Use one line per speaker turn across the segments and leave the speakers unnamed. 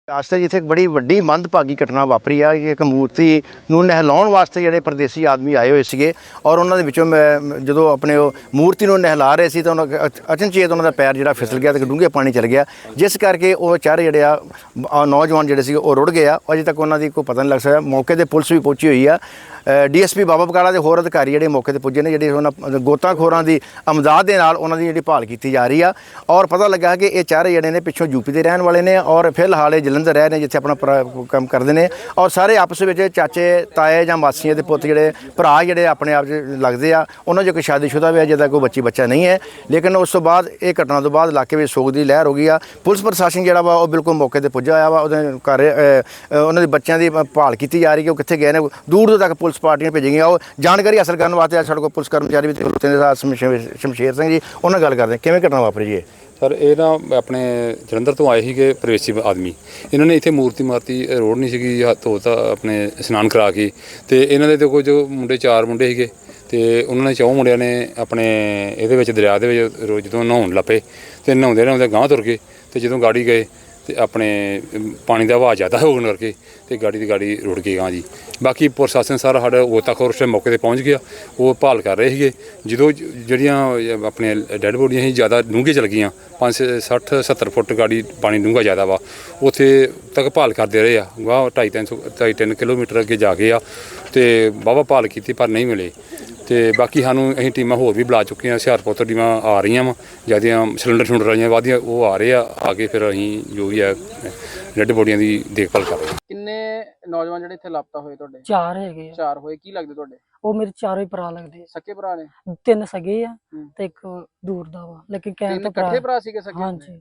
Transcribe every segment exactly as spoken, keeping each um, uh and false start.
ਅੱਜ ਤੱਕ ਇੱਥੇ ਇੱਕ ਬੜੀ ਵੱਡੀ ਮੰਦਭਾਗੀ ਘਟਨਾ ਵਾਪਰੀ ਆ ਕਿ ਇੱਕ ਮੂਰਤੀ ਨੂੰ ਨਹਿਲਾਉਣ ਵਾਸਤੇ ਜਿਹੜੇ ਪਰਦੇਸੀ ਆਦਮੀ ਆਏ ਹੋਏ ਸੀਗੇ ਔਰ ਉਹਨਾਂ ਦੇ ਵਿੱਚੋਂ ਮੈਂ ਜਦੋਂ ਆਪਣੇ ਉਹ ਮੂਰਤੀ ਨੂੰ ਨਹਿਲਾ ਰਹੇ ਸੀ ਤਾਂ ਉਹਨਾਂ ਅਚਨਚੇਤ ਉਹਨਾਂ ਦਾ ਪੈਰ ਜਿਹੜਾ ਫਿਸਲ ਗਿਆ ਤੇ ਡੂੰਘੇ ਪਾਣੀ ਚਲ ਗਿਆ, ਜਿਸ ਕਰਕੇ ਉਹ ਚਾਰੇ ਜਿਹੜੇ ਆ ਅ, ਨੌਜਵਾਨ ਜਿਹੜੇ ਸੀਗੇ ਉਹ ਰੁੜ ਗਏ ਆ। ਅਜੇ ਤੱਕ ਉਹਨਾਂ ਦੀ ਕੋਈ ਪਤਾ ਨਹੀਂ ਲੱਗ ਸਕਿਆ। ਮੌਕੇ ਤੇ ਪੁਲਿਸ ਵੀ ਪਹੁੰਚੀ ਹੋਈ ਆ। D S P Baba Bakala ਦੇ ਹੋਰ ਅਧਿਕਾਰੀ ਜਿਹੜੇ ਮੌਕੇ ਤੇ ਪੁੱਜੇ ਨੇ, ਜਿਹੜੇ ਉਹਨਾਂ ਗੋਤਾਖੋਰਾਂ ਦੀ ਅਮਦਾਦ ਦੇ ਨਾਲ ਉਹਨਾਂ ਦੀ ਜਿਹੜੀ ਭਾਲ ਕੀਤੀ ਜਾ ਰਹੀ ਆ ਔਰ ਪਤਾ ਲੱਗਾ ਕਿ ਇਹ ਚਾਰੇ ਜਿਹੜੇ ਨੇ ਪਿੱਛੋਂ ਯੂਪੀ ਦੇ ਰਹਿਣ ਵਾਲੇ ਨੇ ਔਰ ਫਿਲਹਾਲ ਇਹ ਜਲੰਧਰ ਰਹਿ ਨੇ ਜਿੱਥੇ ਆਪਣਾ ਭਰਾ ਕੰਮ ਕਰਦੇ ਨੇ ਔਰ ਸਾਰੇ ਆਪਸ ਵਿੱਚ ਚਾਚੇ ਤਾਏ ਜਾਂ ਮਾਸੀਆਂ ਦੇ ਪੁੱਤ ਜਿਹੜੇ ਭਰਾ ਜਿਹੜੇ ਆਪਣੇ ਆਪ 'ਚ ਲੱਗਦੇ ਆ। ਉਹਨਾਂ 'ਚ ਕੋਈ ਸ਼ਾਦੀशुदा ਵੀ ਹੈ ਜਿਹਦਾ ਕੋਈ ਬੱਚੀ ਬੱਚਾ ਨਹੀਂ ਹੈ, ਲੇਕਿਨ ਉਸ ਤੋਂ ਬਾਅਦ ਇਹ ਘਟਨਾ ਤੋਂ ਬਾਅਦ ਇਲਾਕੇ ਵਿੱਚ ਸੋਗ ਦੀ ਲਹਿਰ ਹੋ ਗਈ ਆ। ਪੁਲਿਸ ਪ੍ਰਸ਼ਾਸਨ ਜਿਹੜਾ ਵਾ ਉਹ ਬਿਲਕੁਲ ਮੌਕੇ ਤੇ ਪੁੱਜਾ ਹੋਇਆ ਵਾ। ਉਹਦੇ ਘਰ ਉਹਨਾਂ ਦੇ ਬੱਚਿਆਂ ਦੀ ਭਾਲ ਕੀਤੀ ਜਾ ਰਹੀ ਕਿ ਉਹ ਕਿੱਥੇ ਗਏ ਨੇ। ਦੂਰ ਦੂਰ ਤੱਕ ਪੁਲਿਸ ਪਾਰਟੀਆਂ ਭੇਜੀਆਂ ਗਈਆਂ। ਉਹ ਜਾਣਕਾਰੀ ਹਾਸਲ ਕਰਨ ਵਾਸਤੇ ਸਾਡੇ ਕੋਲ ਪੁਲਿਸ ਕਰਮਚਾਰੀ ਵੀ ਖਲੋਤੇ ਨੇ, ਸ਼ਮਸ਼ੇਰ ਸਿੰਘ ਜੀ, ਉਹਨਾਂ ਗੱਲ ਕਰਦੇ ਕਿਵੇਂ ਘਟਨਾ ਵਾਪਰੀ ਜੀ।
ਸਰ ਇਹ ਨਾ ਆਪਣੇ ਜਲੰਧਰ ਤੋਂ ਆਏ ਸੀਗੇ ਪ੍ਰਵੇਸੀ ਆਦਮੀ। ਇਹਨਾਂ ਨੇ ਇੱਥੇ ਮੂਰਤੀ ਮਾਰਤੀ, ਰੋਡ ਨਹੀਂ ਸੀਗੀ, ਹੱਥ ਧੋਤਾ ਆਪਣੇ ਇਸ਼ਨਾਨ ਕਰਾ ਕੇ, ਤੇ ਇਹਨਾਂ ਦੇ ਤੇ ਕੁਝ ਮੁੰਡੇ ਚਾਰ ਮੁੰਡੇ ਸੀਗੇ ਤੇ ਉਹਨਾਂ ਨੇ ਚੌਂ ਮੁੰਡਿਆਂ ਨੇ ਆਪਣੇ ਇਹਦੇ ਵਿੱਚ ਦਰਿਆ ਦੇ ਵਿੱਚ ਰੋਜ਼ ਜਦੋਂ ਨਹਾਉਣ ਲੱਪੇ ਤੇ ਨਹਾਉਂਦੇ ਨਹਾਉਂਦੇ ਗਾਂਹ ਤੁਰ ਗਏ ਤੇ ਜਦੋਂ ਗਾੜੀ ਗਏ ਤੇ ਆਪਣੇ ਪਾਣੀ ਦਾ ਵਹਾਅ ਜ਼ਿਆਦਾ ਹੋਣ ਕਰਕੇ ਤੇ ਗਾੜੀ ਦੀ ਗਾੜੀ ਰੁੜ ਗਈ ਗਾਂ ਜੀ। ਬਾਕੀ ਪ੍ਰਸ਼ਾਸਨ ਸਾਰਾ ਸਾਡਾ ਗੋਤਾਖੋਰ ਉਸ ਮੌਕੇ ਤੇ ਪਹੁੰਚ ਗਿਆ, ਉਹ ਭਾਲ ਕਰ ਰਹੇ ਸੀਗੇ। ਜਦੋਂ ਜਿਹੜੀਆਂ ਆਪਣੇ ਡੈੱਡ ਬੋਡੀਆਂ ਸੀ ਜ਼ਿਆਦਾ ਡੂੰਘੇ ਚਲ ਗਈਆਂ, ਪੰਜ ਸੱਠ ਸੱਤਰ ਫੁੱਟ ਗਾੜੀ ਪਾਣੀ ਡੂੰਘਾ ਜ਼ਿਆਦਾ ਵਾ, ਉੱਥੇ ਤੱਕ ਭਾਲ ਕਰਦੇ ਰਹੇ ਆ। ਗਾਹ ਢਾਈ ਤਿੰਨ ਸੌ ਢਾਈ ਤਿੰਨ ਕਿਲੋਮੀਟਰ ਅੱਗੇ ਜਾ ਕੇ ਆ ਤੇ ਵਾਹਵਾ ਭਾਲ ਕੀਤੀ ਪਰ ਨਹੀਂ ਮਿਲੇ। ਤੇ ਬਾਕੀ ਸਾਨੂੰ ਅਸੀਂ ਟੀਮਾਂ ਹੋਰ ਵੀ ਬੁਲਾ ਚੁੱਕੇ ਹਾਂ। ਹੁਸ਼ਿਆਰਪੁਰ ਤੋਂ ਟੀਮਾਂ ਆ ਰਹੀਆਂ ਵਾ, ਜਿਆਦੀਆਂ ਸਿਲੰਡਰ ਸ਼ੁਲੰਡਰ ਵਾਲੀਆਂ ਵਾਦੀਆਂ ਉਹ ਆ ਰਹੇ ਆ। ਆ ਕੇ ਫਿਰ ਅਸੀਂ ਜੋ ਵੀ ਹੈ ਡੈੱਡ ਬੋਡੀਆਂ ਦੀ ਦੇਖਭਾਲ ਕਰ ਰਹੇ ਹਾਂ।
ਕਿੰਨੇ ਨੌਜਵਾਨ ਜਿਹੜੇ ਇੱਥੇ ਲਾਪਤਾ ਹੋਏ ਤੁਹਾਡੇ?
ਚਾਰ ਹੈਗੇ ਆ।
ਚਾਰ ਹੋਏ। ਕੀ ਲੱਗਦੇ ਤੁਹਾਡੇ?
ਉਹ ਮੇਰੇ ਚਾਰੋਂ ਹੀ ਭਰਾ ਲੱਗਦੇ ਆ।
ਸਕੇ ਭਰਾ ਨੇ?
ਤਿੰਨ ਸਗੇ ਆ
ਹੂੰ।
ਤੇ ਇੱਕ ਦੂਰ ਦਾ ਵਾ, ਲੇਕਿਨ ਕਹਿਣ
ਤਿੰਨ
ਤੋਂ
ਇਕੱਠੇ
ਭਰਾ।
ਭਰਾ ਸੀਗੇ ਸਕੇ?
ਹਾਂਜੀ।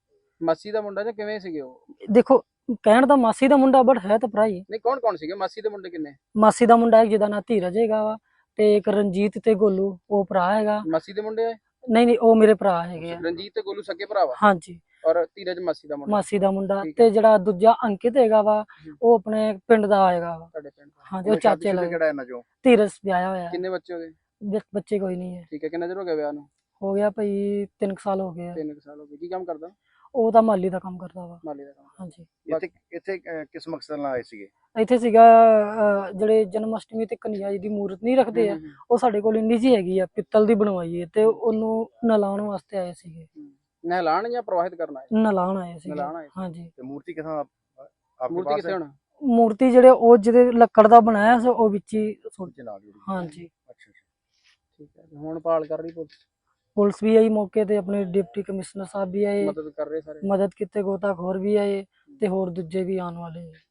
ਮਾਸੀ ਦਾ ਮੁੰਡਾ ਜਾਂ ਕਿਵੇਂ ਸੀਗੇ ਉਹ?
ਦੇਖੋ ਕਹਿਣ ਦਾ ਮਾਸੀ ਦਾ ਮੁੰਡਾ ਬਟ ਹੈ ਤਾਂ ਭਰਾ ਹੀ।
ਨਹੀਂ, ਕੌਣ ਕੌਣ ਸੀਗੇ ਮਾਸੀ ਦੇ ਮੁੰਡੇ? ਕਿੰਨੇ?
ਮਾਸੀ ਦਾ ਮੁੰਡਾ ਇੱਕ ਜਿਹਦਾ ਨਾਂ ਧੀਰਜ ਹੈਗਾ ਵਾ, ਤੇ ਇੱਕ ਰਣਜੀਤ ਤੇ ਗੋਲੂ ਉਹ ਭਰਾ ਹੈਗਾ।
ਮਾਸੀ ਦੇ ਮੁੰਡੇ ਆਏ?
ਨਹੀਂ ਨਹੀਂ, ਉਹ ਮੇਰੇ ਭਰਾ ਹੈਗੇ ਆ।
ਰਣਜੀਤ ਤੇ ਗੋਲੂ ਸਕੇ ਭਰਾ ਵਾ?
ਹਾਂਜੀ।
ਔਰ ਧੀਰਜ ਮਾਸੀ ਦਾ ਮੁੰਡਾ?
ਮਾਸੀ ਦਾ ਮੁੰਡਾ।
ਠੀਕ
ਤੇ
ਹੈ।
ਜਿਹੜਾ ਦੂਜਾ ਅੰਕਿਤ ਹੈਗਾ ਵਾ ਉਹ ਆਪਣੇ ਪਿੰਡ ਦਾ ਹੈਗਾ ਵਾ।
ਤੁਹਾਡੇ ਪਿੰਡ ਦਾ?
ਹਾਂਜੀ, ਉਹ ਚਾਚੇ ਲੱਗਦਾ।
ਕਿਹੜਾ ਇਹਨਾਂ ਚੋਂ?
ਧੀਰਜ ਵਿਆਹਿਆ ਹੋਇਆ।
ਕਿੰਨੇ ਬੱਚੇ ਹੋ ਗਏ?
ਬ- ਬੱਚੇ ਕੋਈ ਨਹੀਂ ਹੈ।
ਠੀਕ ਹੈ। ਕਿੰਨਾ ਚਿਰ ਹੋ ਗਿਆ ਵਿਆਹ ਨੂੰ?
ਹੋ ਗਿਆ ਭਾਈ ਤਿੰਨ ਕੁ ਸਾਲ ਹੋ ਗਏ ਆ।
ਤਿੰਨ ਕੁ ਸਾਲ ਹੋ ਗਏ। ਕੀ ਕੰਮ ਕਰਦਾ?
ਉਹ ਤਾਂ ਮਾਲੀ ਦਾ ਕੰਮ ਕਰਦਾ ਵਾ।
ਮਾਲੀ ਦਾ ਕੰਮ?
ਹਾਂਜੀ।
ਇੱਥੇ ਇੱਥੇ ਅ, ਕਿਸ ਮਕਸਦ ਨਾਲ ਆਏ ਸੀਗੇ?
ਇੱਥੇ ਸੀਗਾ ਅਹ, ਜਿਹੜੇ ਜਨਮ ਅਸ਼ਟਮੀ ਤੇ ਕਨਿਆ ਜੀ ਦੀ ਮੂਰਤ ਨਹੀਂ ਰੱਖਦੇ ਆ,
ਹੂੰ, ਹੂੰ,
ਉਹ ਸਾਡੇ ਕੋਲ ਇੰਨੀ ਜੀ ਹੈਗੀ ਆ, ਪਿੱਤਲ ਦੀ ਬਣਵਾਈ ਹੈ, ਤੇ ਉਹਨੂੰ ਨਲਾਉਣ ਵਾਸਤੇ ਆਏ ਸੀਗੇ।
ਹੂੰ। ਨਹਿਲਾਣ ਜਾਂ ਪ੍ਰਵਾਹਿਤ ਕਰਨਾ ਹੈ?
ਨਲਾਉਣ ਆਏ ਸੀਗੇ।
ਨਲਾਉਣ ਆਏ ਸੀ।
ਹਾਂਜੀ।
ਤੇ ਮੂਰਤੀ ਕਿਥਾਂ ਆਪਕੇ
ਮੂਰਤੀ
ਪਾਸ
ਕਿੱਥੇ
ਹੈ?
ਹੁਣ?
ਮੂਰਤੀ ਜਿਹੜੇ ਉਹ ਜਿਹਦੇ ਲੱਕੜ ਦਾ ਬਣਾਇਆ ਸੀ ਉਹ ਵਿੱਚ ਹੀ ਸੁੱਟ।
ਦੇ ਨਾਲ ਜੁੜੀ।
ਹਾਂਜੀ।
ਅੱਛਾ ਅੱਛਾ।
ਠੀਕ ਹੈ। ਹੁਣ ਭਾਲ ਕਰ ਰਹੀ ਪੁਲਿਸ?
ਪੁਲਿਸ ਵੀ ਆਈ ਮੌਕੇ ਤੇ, ਆਪਣੇ ਡਿਪਟੀ ਕਮਿਸ਼ਨਰ ਸਾਹਿਬ ਵੀ ਆਏ,
ਮਦਦ ਕਰ ਰਹੇ ਸਾਰੇ?
ਮਦਦ ਕੀਤੇ, ਗੋਤਾਖੋਰ ਵੀ ਆਏ ਤੇ ਹੋਰ ਦੂਜੇ ਵੀ ਆਉਣ ਵਾਲੇ ਆ।